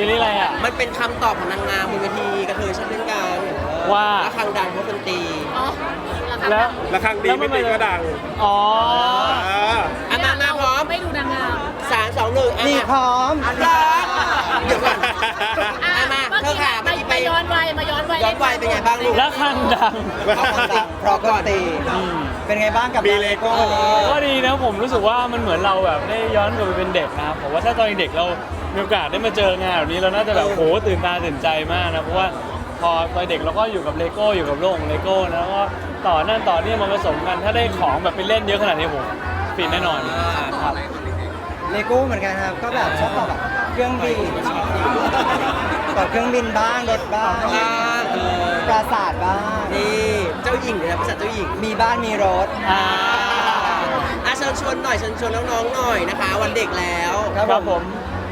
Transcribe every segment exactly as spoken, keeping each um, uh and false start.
ซีรีส์อะไรอ่ะมันเป็นคำตอบของนางงามบนเวทีกระเทยชอบเล่นกันว่าระฆังดังเพราะคนตีอ๋อแล้วระฆังดีไม่ตีก็ดังอ๋ออ่ะมามาพร้อมไม่ดูนางงามสามสองหนึ่งอ่ะนี่พร้อมพร้อมเดี๋ยวก่อนอ่ะมาเธอค่ะมาเมื่อกี้ไปย้อนวัยมาย้อนวัยย้อนวัยเป็นไงบ้างลูกแล้วข้างดังเพราะคนตีเพราะก็ตีเป็นไงบ้างกับมีงานเลเลโก้โก้นี้ก็ดีนะผมรู้สึกว่ามันเหมือนเราแบบได้ย้อนกลับไปเป็นเด็กนะครับผมว่าถ้าตอนเด็กเรามีโอกาสได้มาเจองานแบบนี้เราน่าจะแบบโหตื่นตาตื่นใจมากนะเพราะว่าพอตอนเด็กเราก็อยู่กับเลโก้อยู่กับโลกของเลโก้นะแล้วก็ต่อนั่นต่อนี่มาผสมกันถ้าได้ของแบบไปเล่นเยอะขนาดนี้ผมฟินแน่นอนครับเลโก้เหมือนกันครับก็แบบชอบต่อแบบเครื่องบินต่อเครื่องบินบ้างรถบ้างอ่าเออปราสาทบ้างนี่เจ้าหญิงเลยนะภาษาเจ้าหญิงมีบ้านมีรถอ่าอ่ะเชิญชวนหน่อยเชิญชวนน้องๆหน่อยนะคะ วันเด็กแล้วครับผม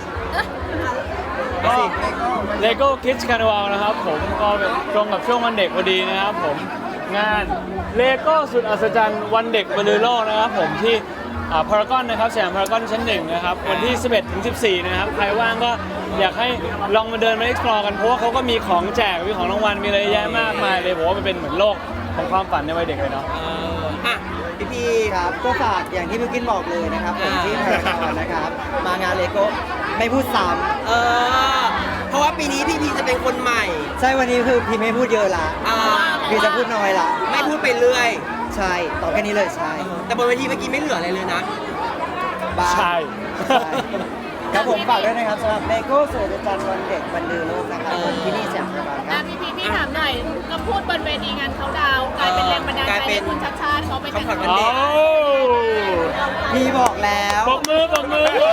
ก็เลโก้คิดคาร์นิวัลนะครับผมก็ตรงกับช่วงวันเด็กพอดีนะครับผมงานเลโก้สุดอัศจรรย์วันเด็กบนโลกนะครับผมที่พารากอนนะครับสยามพารากอนชั้นหนึ่งนะครับวันที่ สิบเอ็ดถึงสิบสี่ นะครับใครว่างก็อยากให้ลองมาเดินมา explore กันเพราะว่าเขาก็มีของแจกมีของรางวัลมีอะไรเยอะแยะมากมายเลยผมว่ามันเป็นเหมือนโลกของความฝันในวัยเด็กเลยเนาะเอออ่ะพี่พี่ครับก็ฝากอย่างที่พี่กินบอกเลยนะครับผมที่พารากอนนะครับมางานเลโก้ไม่พูดซ้เออเพราะว่าปีนี้พี่พีจะเป็นคนใหม่ำใช่วันนี้คือพี่ไม่พูดเยอะละอ่าพี่จะพูดน้อยละไม่พูดไปเรื่อยใช่ต่อแค่นี้เลยใช่แต่บนเวทีเมื่อกี้ไม่เหลืออะไรเลยนะบ้าใช่ใช่ครับผมฝากด้วยนะครับสำหรับเลโก้สุดอัศจรรย์วันเด็กบรรลือโลกนะครับผมที่นี่สยามพารากอนคอ่ะรับพี่พี่พี่ถามหน่อยก็พูดบนเวทีงานเขาดาวน์กลายเป็นแรงบันดาลใจให้คุณชัดชาติเขาไปแต่งเขาขวัญวังาน นเด็กโอ้พี่บอกแล้วปรบมือปรบมือก่อน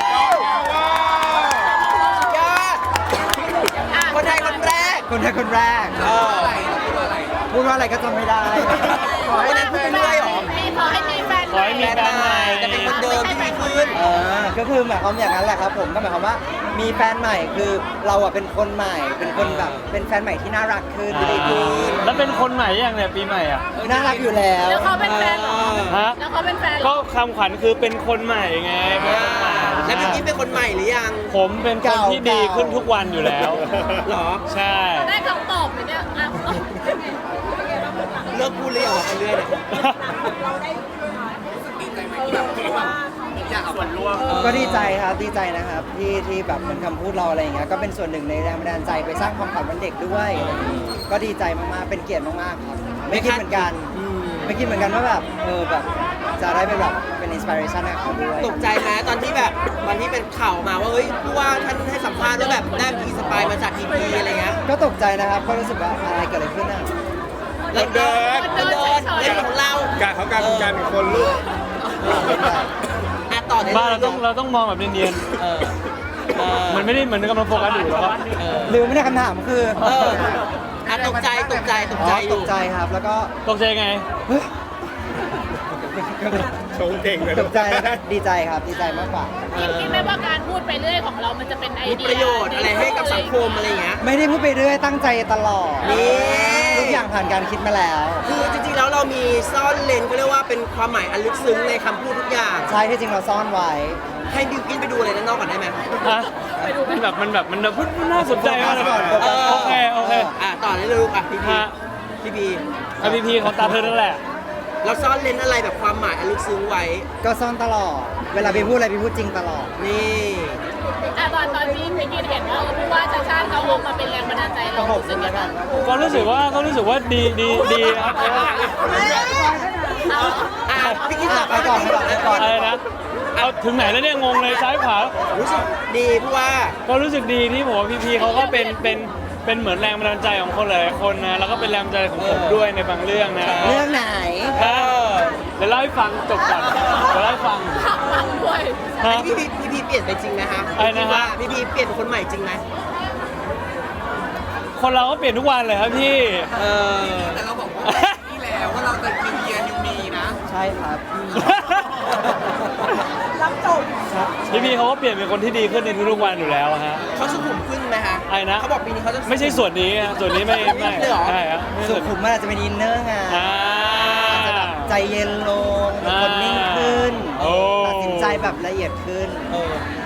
ยอดคนไทยคนแรกคนไทยคนแรกเออพูดว่าอะไรก็จำไม่ได้วันนั้นพูดไปเรื่อยเหรอขอให้มีแฟนขอให้มีแฟนใหม่จะเป็นคนเดิมที่ดีขึ้นเออก็คือหมายความอย่างนั้นแหละครับผมก็หมายความว่ามีแฟนใหม่คือเราอะเป็นคนใหม่ เป็นคนแบบเป็นแฟนใหม่ที่น่ารักขึ้นดีขึ้นแล้วเป็นคนใหม่ยังเนี่ยปีใหม่อ่ะน่ารักอยู่แล้วแล้วเขาเป็นแฟนเหรอฮะแล้วเขาเป็นแฟนเหรก็อคำขวัญคือเป็นคนใหม่ไงเป็นคนใหม่แล้วพี่พีเป็นคนใหม่หรือยังผมเป็นคนที่ดีขึ้นทุกวันอยู่แล้วหรอใช่ได้คำตอบไหมเนี่ยอ่ะเลิกพูดเลยเหรอไปเรื่อยเนี่ยก็ดีใจครับดีใจนะครับที่ที่แบบเหมือนคำพูดเราอะไรอย่างเงี้ยก็เป็นส่วนหนึ่งในแรงบันดาลใจไปสร้างความฝันวันเด็กด้วยก็ดีใจมากๆเป็นเกียรติมากๆครับไม่คิดเหมือนกันอืมไม่คิดเหมือนกันว่าแบบเออแบบจะได้เป็นแบบเป็นอินสปิเรชันให้เขาด้วยตกใจไหมตอนที่แบบตอนที่เป็นข่าวมาว่าเฮ้ยผู้ว่าท่านให้สัมภาษณ์ว่าแบบได้อินสปายมาจากพีพีอะไรเงี้ยก็ตกใจนะครับก็รู้สึกว่าอะไรเกิดอะไรขึ้นอ่ะแล้วเดินเดินเดินเล่นของเราการเขาการเป็นการเป็นคนลูกอ่ะต่อได้บ้านเลเรายต้องเราต้องมองแบบเนียนเออเออๆมันไม่ได้เหมือนกำลังโฟกัสอยู่แล้วก็เออลืมไม่ได้คำถามคือเอออ่ะตกใจตกใจตกอ๋ใจออตยู่กใจครับแล้วก็ตกใจไงเฮ้ยชงเก่งเลยตกใจแล้วก็ดีใจครับดีใจมากกว่าคิดคิดไหมว่าการพูดไปเรื่อยของเรามันจะเป็นไอมีเดียประโยชน์อะไรให้กับสังคมอะไรเงี้ยไม่ได้พูดไปเรื่อยตั้งใจตลอดนี่ทุกอย่างผ่านการคิดมาแล้วคือจริงๆแล้วเรามีซ่อนเลนก็เรียกว่าเป็นความหมายอันลึกซึ้งในคำพูดทุกอย่างใช่ที่จริงเราซ่อนไว้ให้บิวกินไปดูอะไรด้านนอกก่อนได้ไหมอ่ะมันแบบมันแบบมันแบบมันน่าสนใจมากเลยโฟกัสก่อนโอเคโอเคอ่ะต่อได้เลยลูกอ่ะพี่พีฮะพี่พีไอพีพีเขาตามเธอนั่นแหละเราซ่อนเลนอะไรแบบความหมายอันลึกซึ้งไว้ก็ซ่อนตลอด เวลาพี่พูดอะไรพี่พูดจริงตลอดนี่อ่ะตอนตอนที่พี่กินเห็นว่าเออผู้ว่าชัดชาติเขาออกมาเป็นแรงบันดาลใจเราขอบรู้สึคุกณยังแล้วไงกันก็รู้สึกว่าก็รู้สึกว่าดีดีดีครับเอาอ่ะพี่กินต่อไปก่อนไปก่อนไปก่อนอะไรนะเอาถึงไหนแล้วเนี่ยงงเลยซ้ายขวารู้สึกดีเพราะว่าก็รู้สึกดีที่ผมว่าพีพีเขาก็เป็นเป็นเป็นเหมือนแรงบันดาลใจของคนหลายๆคนนะแล้วก็เป็นแรงบันดาลใจของผมด้วยในบางเรื่องนะเรื่องไหนฮะเดี๋ยวเล่าให้ฟังจบก่อนเดี๋ยวเล่าให้ฟังขับฟังด้วยฮะพี่พีพี่พีเปลี่ยนไปจริงไหมฮะอะไรนะฮะว่าพี่พีเปลี่ยนเป็นคนใหม่จริงไหมคนเราก็เปลี่ยนทุกวันเลยครับพี่เออแต่เราบอกว่านี่แล้วว่าเราจะนิวเยียร์นิวมีนะใช่ครับพี่พีเขาก็เปลี่ยนเป็นคนที่ดีขึ้นในทุกๆวันอยู่แล้วอะฮะเขาสุขุมขึ้นไหมฮะอะไรนะเขาบอกปีนี้เขาจะไม่ใช่ส่วนนี้อะส่วนนี้ไม่ไม่เลยเหรอใช่ครับไม่สุส่วนขุมมันอาจจะเป็นอินเนอร์ไงอ่าอาจจะแบบใจเย็นลงเป็นคนนิ่งขึ้นโอ้ตัดสินใจแบบละเอียดขึ้นเออ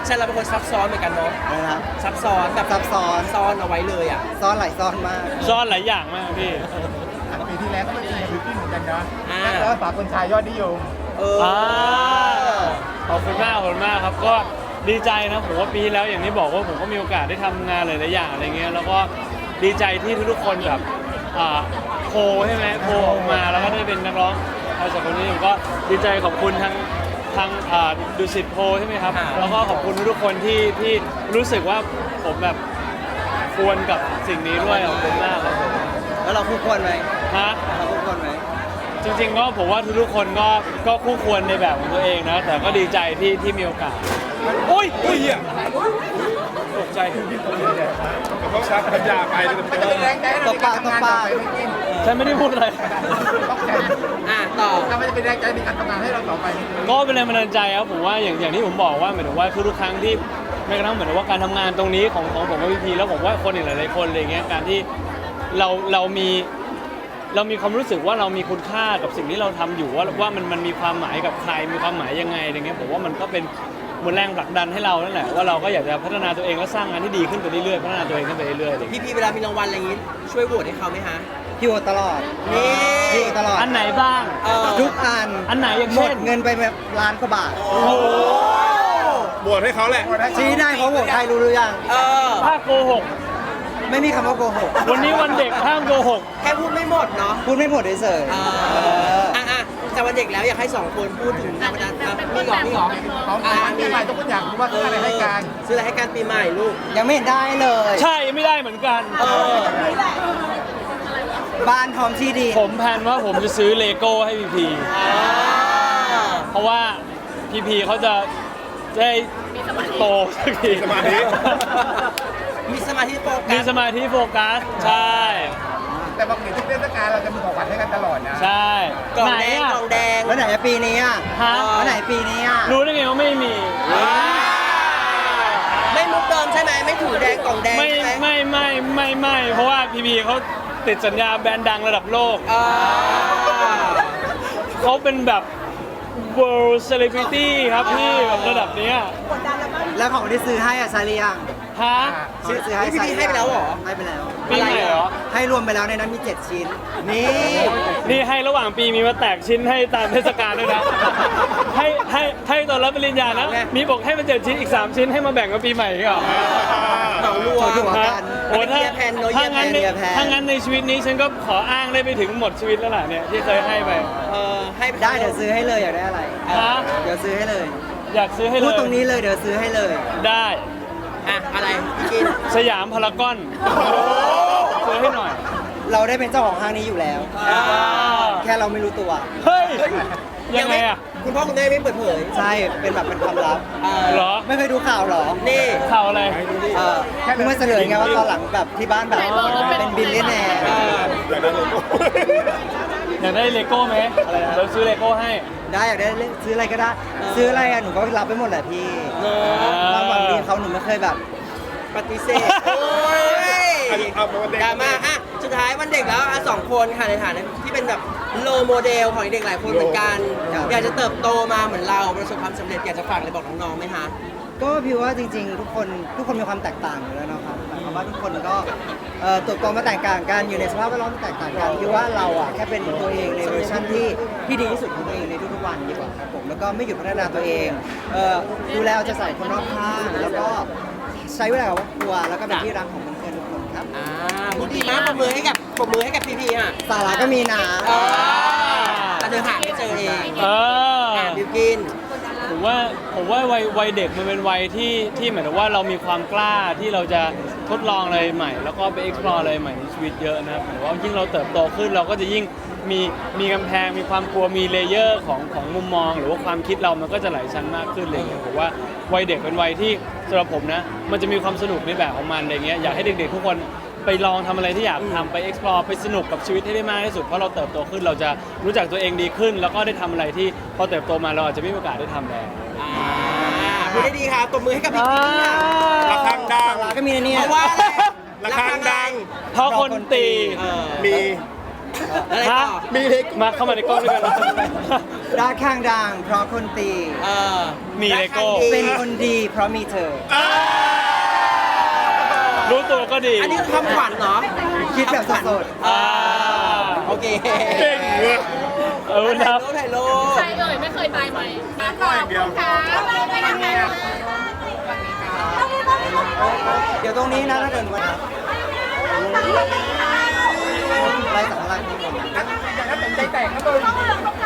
ชันเราเป็นคนซับซ้อนเหมือนกันเนาะนะครับซับซ้อนแบบซับซ้อนซ้อนเอาไว้เลยอ่ะซ้อนหลายซ้อนมากซ่อนหลายอย่างมากพี่ปีที่แล้วก็เป็นปีกับบิวกิ้นเหมือนกันนะอ่าแล้วฝากคนชายยอดนิยมเอออ่าขอบคุณมากขอบคุณมากครับก็ดีใจนะผมว่าปีที่แล้วอย่างที่บอกว่าผมก็มีโอกาสได้ทำงานหลายๆอย่างอะไรเงี้ยแล้วก็ดีใจที่ทุกๆคนแบบอ่าโคใช่ไหมโคออกมาแล้วก็ได้เป็นนักร้องเอาจากคนนี้ผมก็ดีใจขอบคุณทางทางอ่าดูสิตโพใช่ไหมครับแล้วก็ขอบคุณทุกๆคนที่ที่รู้สึกว่าผมแบบควรกับสิ่งนี้ด้วยขอบคุณมากครับผมแล้วเราคู่ควรไหมฮะเราคู่ควรไหมจริงๆก็ผมว่าทุกๆคนก็ก็คู่ควรในแบบของตัวเองนะ แต่ก็ดีใจที่ที่มีโอกาสโอ้ยเฮ้ยเหี้ยตกใจเขาชักพัญญาไปเลยมันจะเป็นแรงใจให้เราในการทำงานต่อไปบิวกิ้นฉันไม่ได้พูดอะไรต้องใจอ่ะต่อถ้ามันจะเป็นแรงใจในการทำงานให้เราต่อไปก็เป็นแรงบันดาลใจครับผมว่าอย่างอย่างที่ผมบอกว่าหมายถึงว่าทุกๆครั้งที่แม้กระทั่งเหมือนกับว่าการทำงานตรงนี้ของของผมกับพีพีแล้วผมว่าคนอีกหลายๆคนอะไรเงี้ยการที่เราเรามีเรามีความรู้สึกว่าเรามีคุณค่ากับสิ่งที่เราทำอยู่ว่าว่ามันมันมีความหมายกับใครมีความหมายยังไงอะไรเงี้ยผมว่ามันก็เป็นเหมือนแรงผลักดันให้เรานั่นแหละว่าเราก็อยากจะพัฒนาตัวเองและสร้างงานที่ดีขึ้นไปเรื่อยๆพัฒนาตัวเองขึ้นไปเรื่อยๆอะไรเงี้ยพี่พีเวลามีรางวัลอะไรอย่างงี้ช่วยโหวตให้เขาไหมฮะพี่โอตลอดนี่พี่โอตลอดอันไหนบ้างเออทุกอันอันไหนอย่างหมเช่ดนเงินไปแบบล้านกว่าบาทโอ้โหบวชให้เขาแหละชี้ได้เขาโหวตใครรู้หรือยังเออถ้าโกหกไม่มีคำว่าโกหกวันนี้วันเด็กห้ามโกหกแค่พูดไม่หมดเนาะพูดไม่หมดเฉยเอๆเออออ่ะอ่ะแต่วันเด็กแล้วอยากให้สองคนพูดถึงแรงบันดาลใจมีเหรอมีเหรอของขวัญปีใหม่ทุกคนอยากรู้ว่าซื้ออะไรให้กันซื้ออะไรให้การปีใหม่ลูกยังไม่เห็นได้เลยใช่ไม่ได้เหมือนกันเออบ้านพร้อมที่ดินผมแพลนว่าผมจะซื้อเลโก้ให้พีพีเพราะว่าพีพีเขาจะได้โตสักทีสมาธิมีสมาธิโฟกัมีสสมาธิโฟกัส ใช่แต่ปกติทุกเทศกาลเราจะมีของขวัญให้กันตลอดนะใช่กล่องไหนแดงอะกล่องแดงแล้วไหนอะปีนี้อ่ะฮะแล้วไหนปีนี้อ่ะรู้ได้ไงว่าไม่มีไม่มุกเดิมใช่ไหมไม่ถูแดงกล่องแดงไม่ใช่ไหมไม่ไม่ไม่ไม่เพราะว่าพีพีเขาติดสัญญาแบรนด์ดังระดับโลกเออเขาเป็นแบบ world celebrity ครับพี่แบบระดับเนี้ยแล้วของที่ซื้อให้อ่ะซาเลียงฮะซื้อซื้อให้พี่ซาพีเลียงให้ไปแล้วเหรอให้ไปแล้วปีใหม่เหรอให้รวมไปแล้วในนั้นมีเจ็ดชิ้น นี่นี่ให้ระหว่างปีมีมาแตกชิ้นให้ตามเทศกาลด้วยนะ ให้ให้ให้ตอนรับปริญญานะไงมีบอกให้มาเจ็ดชิ้นอีกสามชิ้นให้มาแบ่งกับปีใหม่อีกเหรอเหมารวมถูกฮะกันโอ้ถ้าเยียร์แพนเนอะถ้างั้นในเยียร์แพนถ้างั้นในชีวิตนี้ฉันก็ขออ้างได้ไปถึงหมดชีวิตแล้วล่ะเนี่ยที่เคยให้ไปเออให้ปได้เดี๋ยวซื้อให้เลยอยากได้อะไรฮะเดี๋ยวซื้อให้เลยอยากซื้อให้เลยพูดตรงนี้เลยเดี๋ยวซื้อให้เลยได้อ่ะอะไรพี่กินสยามพารากอนซื้อให้หน่อยเราได้เป็นเจ้าของห้างนี้อยู่แล้วอ่าแค่เราไม่รู้ตัวเฮ้ย ยังไงอ่ะคุณพ่อคุณแม่ไม่เปิดเผยใช่ เป็นแบบเป็นความลับเออเหรอไม่เคยดูข่าวเหรอนี่ข่าวอะไรเออเพิ่งมาเฉลยไงว่าตอนหลังแบบที่บ้านแบบไหนบอกว่าเป็นเป็นบิลเลียนแนร์เอออยากได้โลโก้อยากได้เลโก้ไหมอะไรนะเราซื้อเลโก้ให้ได้อยากได้เล่นซื้ออะไรก็ได้ ซื้ออะไรอ่ะหนูก็รับไปหมดแหละพี่เนอะความหวังดีเขาหนูไม่เคยแบบปฏิเสธโอ้ยอันนี้เอามาวันเด็กดราม่าอ่ะสุดท้ายวันเด็กแล้วอ่ะสองคนค่ะในฐานะที่เป็นแบบโลโมเดลของเด็กหลายคนเหมือนกันครับอยากจะเติบโตมาเหมือนเราประสบความสำเร็จอยากจะฝากอะไรบอกน้องๆไหมคะก็พี่ว่าจริงๆ ทุกคนทุกคนมีความแตกต่างอยู่แล้วเนาะครับหมายความว่าทุกคนก็เอ่อเติบโตมาแตกต่างกันอยู่ในสภาพแวดล้อมที่แตกต่างกันพี่ว่าเราอ่ะแค่เป็นตัวเองในเวอร์ชันที่ที่ดีที่สุดของตัวเองในทุกๆวันดีกว่าครับผมแล้วก็ไม่หยุดพัฒนาตัวเองเอ่อดูแลเอาใจใส่คนรอบข้างแล้วก็ใช้เวลากับครอบครัวแล้วก็เป็นที่รักของเพื่อนๆทุกคนครับอ่าพูดดีมากปรบมือให้กับปรบมือให้กับพีพีอ่ะสาระก็มีนะเออแต่เธอหาไม่เจอเองเอออ่ะบิวกินผมว่าผมว่าวัยวัยเด็กมันเป็นวัยที่ที่หมายถึงว่าเรามีความกล้าที่เราจะทดลองอะไรใหม่ แล้วก็ไป explore อะไรใหม่ในชีวิตเยอะนะครับหมายถึงว่ายิ่งเราเติบโตขึ้นเราก็จะยิ่งมีมีกำแพงมีความกลัวมีเลเยอร์ของของมุมมอง หรือว่าความคิดเรามันก็จะหลายชั้นมากขึ้นอะไรเงี้ยผมว่าวัยเด็กเป็นวัยที่สำหรับผมนะมันจะมีความสนุกในแบบของมันอะไรเงี้ยอยากให้เด็กๆทุกคนไปลองทำอะไรที่อยากทำไป explore ไปสนุกกับชีวิตให้ได้มากที่สุดเพราะเราเติบโตขึ้นเราจะรู้จักตัวเองดีขึ้น แล้วก็ได้ทำอะไรที่พอเติบโตมาเราอาจจะไม่มีโอกาสได้ทำแล้วอ่าพูดได้ดีค่ะตบมือให้กับพี่พีค่ะระฆังดังสาระก็มีนะเนี่ยเพราะว่าอะไรระฆังดังเพราะคนตีเออมีอะไรฮะต่อมีเล็กมาเข้ามาในกล้องด้วยกันรักข้างดังเพราะคนตีเออมีเลโก้เป็นคนดีเพราะมีเธอรู้ตัวก็ดีอันนี้คือคำขวัญเหรอคิดแบบสดอ่าโอเคเก่งเว้ยเออครับถ่ายรูปใครเอ่ยไม่เคยตายไหมขอบคุณค่ะไปนะคะๆ เดี๋ยวตรงนี้นะถ้าเกิดวันไรสำคัญนี่หมดอย่างนั้นเป็นใจแตกครับเลย